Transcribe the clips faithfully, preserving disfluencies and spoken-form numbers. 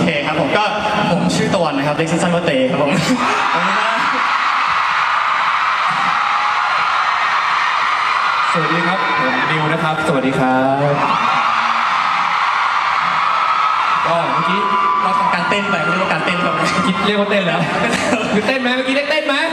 เคครับผมก็ผมชื่อตะวันนะครับเรียกสั้นๆว่าเตครับผมสวัสดีครับผมนิวนะครับสวัสดีครับก็เมื่อกี้เราทำการเต้นไปเรียกว่าการเต้นแบบคิดเรียกว่าเต้นแล้วคือเต้นไหมเมื่อกี้ได้เต้นไหม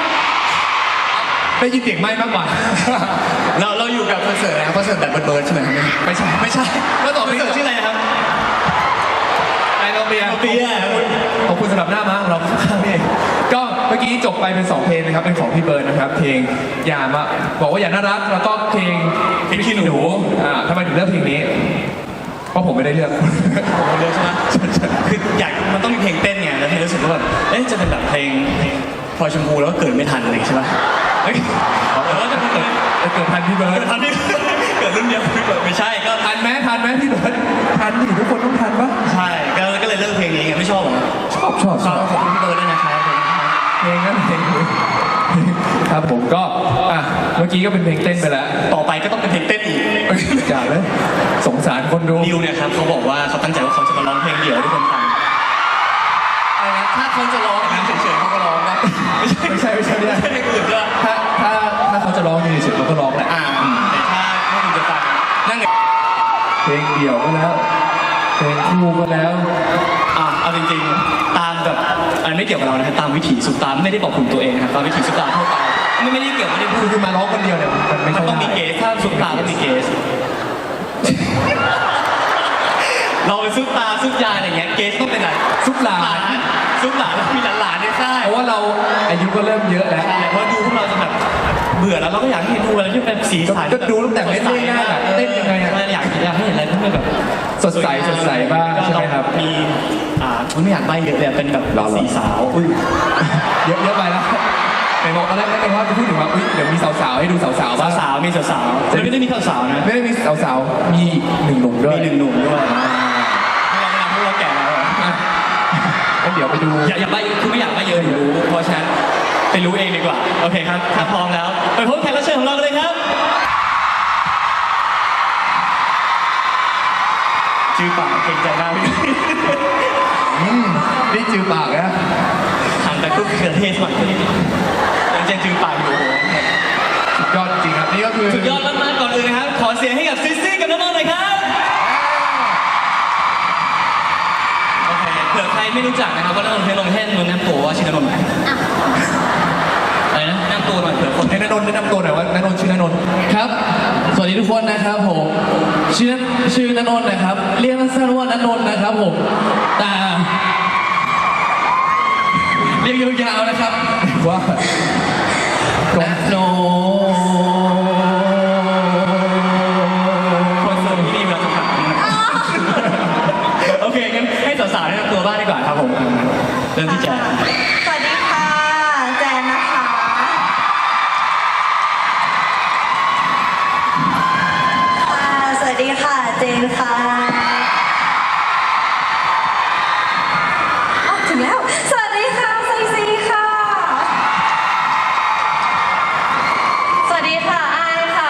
ได้ยินเสียงไหมมากกว่าเราเราอยู่กับคอนเสิร์ตนะครับคอนเสิร์ตแบบเบิร์ดๆใช่ไหมครับไม่ใช่ไม่ใช่แล้วต่อคอนเสิร์ตชื่ออะไรครับไอโนเบียเบียขอบคุณสำหรับหน้าม้าของเราข้างๆนี่ก็เมื่อกี้จบไปเป็นสองเพลงนะครับเป็นของพี่เบิร์ดนะครับเพลงอย่ามาบอกว่าอย่าน่ารักแล้วก็เพลงพี่ขี้หนูอ่าทำไมถึงเลือกเพลงนี้เพราะผมไม่ได้เลือกผมเลือกใช่ไหมคืออยากมันต้องมีเพลงเต้นไงแล้วที่รู้สึกว่าแบบเอ๊ะจะเป็นแบบเพลงพลอยชมพูแล้วก็เกิดไม่ทันอะไรใช่ไหมเฮ้ยแต่ว่าจะเกิดเกิดทันพี่เบิร์ดเกิดทันพี่เกิดรุ่นเดียวพี่เบิร์ดไม่ใช่ก็ทันไหมทันไหมพี่เบิร์ดทันดิทุกคนต้องทันปะใช่ก็ก็เลยเลือกเพลงนี้ไงไม่ชอบหรอชอบชอบชอบขอบคุณพี่เบิร์ดด้วยนะครับเพลงนั้นเพลงครับผมก็อ่ะเมื่อกี้ก็เป็นเพลงเต้นไปแล้วต่อไปก็ต้องเป็นเพลงเต้นอีกจ่าเลยสงสารคนดูนิวเนี่ยครับเขาบอกว่าเขาตั้งใจว่าเขาจะมาร้องเพลงเดี่ยวให้คนฟังอะไรนะถ้าเขาจะร้องน้ำเฉยๆเขาก็ร้องนะไม่ใช่ไม่ใช่ไม่ใช่ไม่ใช่เพลงอื่นด้วยถ้าถ้าถ้าเขาจะร้องเฉยๆเขาก็ร้องแหละอ่าแต่ถ้าถ้าคุณจะฟังนั่งเพลงเดี่ยวก็แล้วเพลงคู่ก็แล้วอ่าเอาจริงๆตามแบบอันไม่เกี่ยวกับเรานะครับตามวิถีสุดตามไม่ได้บอกคุณตัวเองนะครับตามวิถีสุดตามทั่วไปไม่ไม่ได้เกี่ยวไม่ได้พูดคือมาร้องคนเดียวเนี่ยมันไม่ต้องมีเกสถ้าสุดตาต้องมีเกสเราเป็นซุปตาซุปยาอะไรเงี้ยเกสต้องเป็นอะไรซุปหลานซุปหลานแล้วมีหลานๆในค่ายเพราะว่าเราอายุก็เริ่มเยอะแล้วเพราะดูพวกเราจะแบบเบื่อแล้วเราก็อยากให้ดูอะไรที่เป็นสีสันก็ดูตั้งแต่เล่นได้ง่ายแบบเต้นยังไงอยากอยากให้เห็นอะไรที่มันแบบสดใสสดใสบ้างใช่ไหมครับมีอ่าไม่อยากใบ้เยอะเลยเป็นแบบสีสาวเยอะเยอะไปแล้วไหนบอกตอนแรกไม่ได้ว่าจะพูดถึงว่าเดี๋ยวมีสาวๆให้ดูสาวๆบ้างสาวๆมีสาวๆไม่ได้มีสาวๆนะไม่ได้มีสาวๆมีหนึ่งหนุ่มด้วยมีหนึ่งหนุ่มด้วยพวกเราพวกเราแก่แล้วงั้นเดี๋ยวไปดูอย่าอย่าใบ้คือไม่อยากใบ้เยอะอยู่รู้เพราะฉะนั้นไปรู้เองดีกว่าโอเคครับถ้าพร้อมแล้วไปพบแขกรับเชิญของเรากันเลยครับจือปากเก่งใจมากพี่นี่จือปากนะทำแต่ทุกเขือเทศสมัยนี้ยังจะจือปากอยู่สุดยอดจริงครับนี่ก็คือสุดยอดมากๆก่อนอื่นนะครับขอเสียงให้กับซิซี่กับน้องๆหน่อยครับโอเคเผื่อใครไม่รู้จักนะครับว่าน้องๆเพลงลงแท่นน้ำตัวว่าชื่อน้องๆไหนอะไรนะน้ำตัวหน่อยเผื่อคนให้น้องๆแนะนำตัวหน่อยว่าน้องๆชื่อน้องๆครับสวัสดีทุกคนนะครับผมชื่อชื่อณนนท์นะครับเรียกสั้นๆว่าณนนท์นะครับผมแต่เรียกยาวๆนะครับว่าณนนคอนเสิร์ตที่นี่เราจะผ่านโอเคงั้นให้สาวๆแนะนำตัวบ้างดีกว่าครับผมเริ่มที่แจนสวัสดีค่ะแจนนะคะค่ะสวัสดีค่ะเจนค่ะอ๋อถึงแล้วสวัสดีค่ะไซซีค่ะสวัสดีค่ะอายค่ะ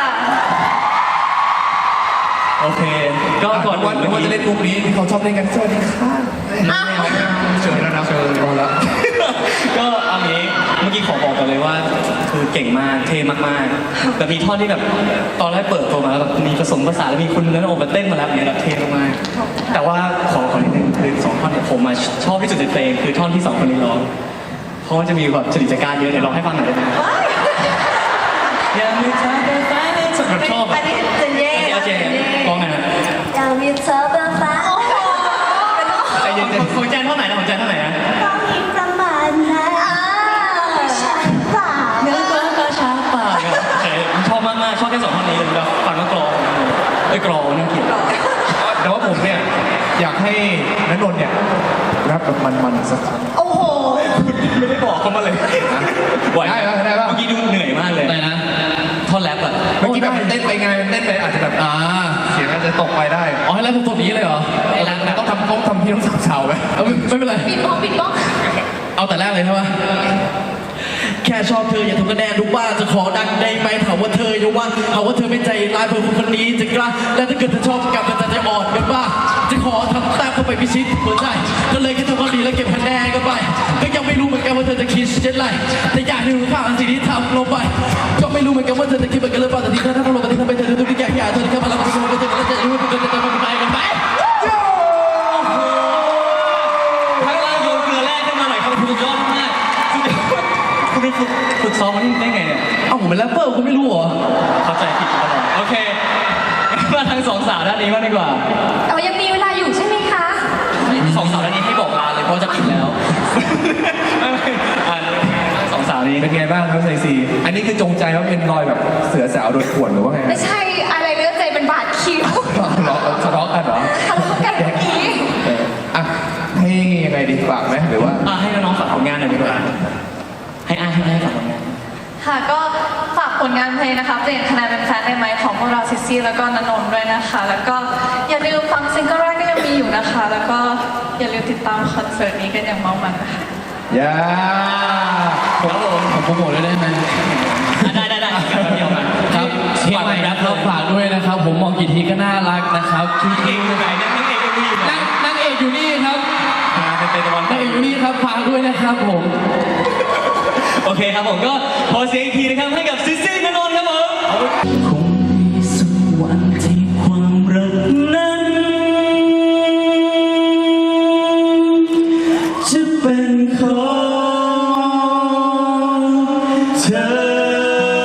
โอเคก็ก่อนวันว่าจะเล่นมุกนี้ที่เขาชอบเล่นกันสวัสดีค่ะเชิญแล้วนะเชิญแล้วก็เอางี้เมื่อกี้ขอบอกกันเลยว่าคือเก่งมากเท่มากๆแต่มีท่อนที่แบบตอนแรกเปิดตัวมาแล้วแบบมีผสมภาษาแล้วมีคุณนั้นโอมาเต้นมาแล้วเนี่ยแบบเท่มากๆแต่ว่าขอขอนิดนึงคือสองท่อนเนี่ยผมมาชอบที่สุดในเพลงคือท่อนที่สองคนนี้ร้องเพราะว่าจะมีแบบจริตจักรานเยอะเนี่ยร้องให้ฟังหน่อยได้ไหมยังมีเธอเป็นแฟนในสุดแบบชอบอันนี้เจนเย่เจนร้องไงนะยังมีเธอเป็นแฟนโอ้โหใจเย็นๆของแจนเท่าไหร่นะของแจนเท่าไหร่นะต้องมีประมาณนั้นช้าป่าเนื้อก็ก็ช้าป่าชอบมากๆชอบแค่สองท่อนนี้เลยแบบฟังก็กรอไอ้กรอน่าเกลียดแต่ว่าผมเนี่ยอยากให้ณนนท์เนี่ยรับแบบมันๆสักครั้งโอ้โหไม่ได้บอกเขามาเลยไหวได้ไหมได้ป่ะเมื่อกี้ดูเหนื่อยมากเลยอะไรนะท่อนแรปอะเมื่อกี้แบบเต้นไปไงเต้นไปอาจจะแบบอ่าเสียงอาจจะตกไปได้อ๋อให้แล้วผมตัวนี้เลยเหรอไอ้แรปต้องทำต้องทำพี่ต้องสาวๆไหมไม่เป็นไรปิดบ้องปิดบ้องเอาแต่แรกเลยใช่ไหมแค่ชอบเธออย่าทำคะแนนดูบ้าจะขอดังได้ไหมถามว่าเธออย่าว่าถามว่าเธอไม่ใจร้ายเพื่อคนคนนี้จะกล้าและถ้าเกิดเธอชอบกับเธอจะอ่อนกันบ้าจะขอทำตามเข้าไปพิชิตหัวใจเธอนไรแต่อยากให้รู้ค่าอันสิ่งที่ทำลงไปก็ไม่รู้เหมือนกันว่าเธอจะคิดเหมือนกันหรือเปล่าแต่ที่เธอทำลงไปที่ทำไปเธอดูทุกอย่างอย่างเธอที่เข้ามาแล้วก็ไม่รู้ว่าเธอจะรู้ว่าเธอจะทำไปกันไหมข้างล่างโยนเกลือแร่ขึ้นมาหน่อยครับคุณสุดยอดมากสุดยอดคุณไปฝึกฝึกซ้อมมันได้ไงเนี่ยเอ้าผมเป็นแรปเปอร์คุณไม่รู้เหรอเข้าใจผิดตลอดโอเคมาทางสองสาวด้านนี้มางดีกว่าแต่ว่ายังมีเวลาอยู่ใช่ไหมคะสองสาวด้านนี้ให้บอกลาเลยเพราะจะปิดแล้วอ่ะสองสาวนี้เป็นไงบ้างครับไซซีอันนี้คือจงใจว่าเป็นรอยแบบเสือสาวโดนข่วนหรือว่าไงไม่ใช่อะไรเนื้อใจเป็นบาดคิ้วทะเลาะทะเลาะกันเหรอทะเลาะกันเมื่อกี้เอออ่ะให้ยังไงดีฝากไหมหรือว่าอ่ะให้น้องๆฝากผลงานหน่อยดีกว่าให้อ้ายให้อ้ายฝากผลงานค่ะก็ฝากผลงานเพลงนะคะเปลี่ยนคะแนนเป็นแฟนได้ไหมของพวกเราซิซี่แล้วก็นนนท์ด้วยนะคะ แล้วก็อย่าลืมฟังซิงเกิลแรกก็ยังมีอยู่นะคะ แล้วก็อย่าลืมติดตามคอนเสิร์ตนี้กันอย่างเมามันนะคะอย่าครับผมผมโปรโมทเลยได้ไหมอ่ะได้ได้ได้เดี๋ยวมาครับเพลงใหม่นะครับฝากด้วยนะครับ ผมมองกี่ทีก็น่ารักนะครับทุกเอกอยู่ไหนเนี่ยนางเอกอยู่ไหนนั่งนั่งเอกอยู่นี่ครับอ่าเป็นเป็นตะวันนั่งเอกอยู่นี่ครับฝากด้วยนะครับผมโอเคครับผมก็ขอเสียงอีกทีนะครับให้กับซิซี่นนท์ครับผมคงมีสักวันที่ความรักนั้น จะเป็นของเธอ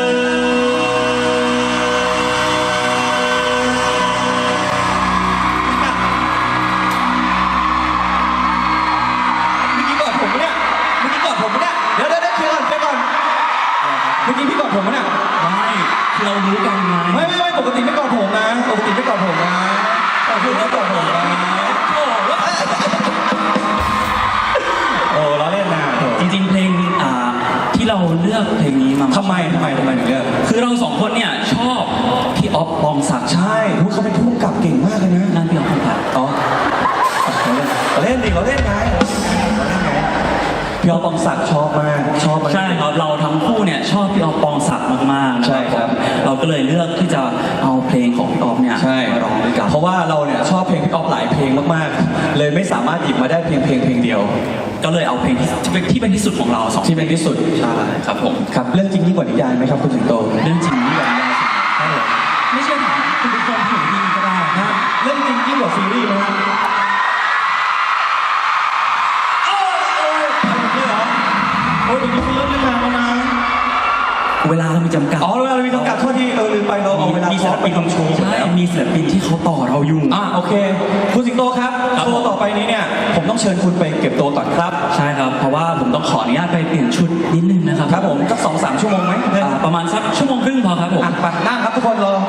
เมื่อกี้กอดผมปะเนี่ย เมื่อกี้กอดผมปะเนี่ย เดี๋ยวเดี๋ยวเดี๋ยวเคลียร์ก่อนเคลียร์ก่อน เมื่อกี้พี่กอดผมปะเนี่ยไม่เรารู้กันไงไม่ไม่ไม่ปกติไม่กอดผมนะ ปกติไม่กอดผมนะปกติไม่กอดผมนะโอ้ล้อเล่นนะโถจริงๆเพลงอ่าที่เราเลือกเพลงนี้มาทำไมทำไมทำไมถึงเลือกคือเราสองคนเนี่ยชอบพี่ออฟปองศักดิ์ใช่อุ๊ยเขาเป็นผู้กำกับเก่งมากเลยนะนั่นพี่ออฟปองศักดิ์อ๋อเราเล่นดิเราเล่นไงเราเล่นไงพี่ออฟปองศักดิ์ชอบมาก ชอบมากใช่ครับเราทั้งคู่เนี่ยชอบพี่ออฟปองศักดิ์มากๆนะใช่ครับเราก็เลยเลือกที่จะเอาเพลงของพี่ออฟเนี่ยใช่มาร้องด้วยกันเพราะว่าเราเนี่ยชอบเพลงพี่ออฟหลายเพลงมากๆ เลยไม่สามารถหยิบมาได้เพียงเพลงเพลงเดียวก็เลยเอาเพลงที่ที่เป็นที่เป็นที่สุดของเราสองที่เป็นที่สุดใช่ครับผมครับเรื่องจริงยิ่งกว่านิยายไหมครับคุณสิงโตเรื่องจริงนี่แบบยาวสุดใช่เหรอไม่เชื่อถามคุณทุกคนที่อยู่ที่นี่ก็ได้ฮะเรื่องจริงยิ่งกว่าซีรีส์ไหมฮะโอ้ยโอ้ยทำแบบนี้เหรอโอ้ยเดี๋ยวนี้คุณเริ่มเล่นนานแล้วนะเวลาเรามีจำกัดอ๋อเวลาเรามีจำกัดโทษทีเออลืมไปเราเอาเวลามีคศิอลร์สไปปินทำโชว์หมดใช่แล้วมีศิลปินที่เขาต่อเราอยู่อ่ะโอเค คุณสิงโตครับครับโชว์ต่อไปนี้เนี่ยผมต้องเชิญคุณไปเก็บตัวก่อนครับใช่ครับ เพราะว่าผมต้องขออนุญาตไปเปลี่ยนชุดนิดนึงนะครับครับผมสักสองสามชั่วโมงไหมอ่าประมาณสักชั่วโมงครึ่งพอครับผมอ่ะไปนั่งครับทุกคนรอ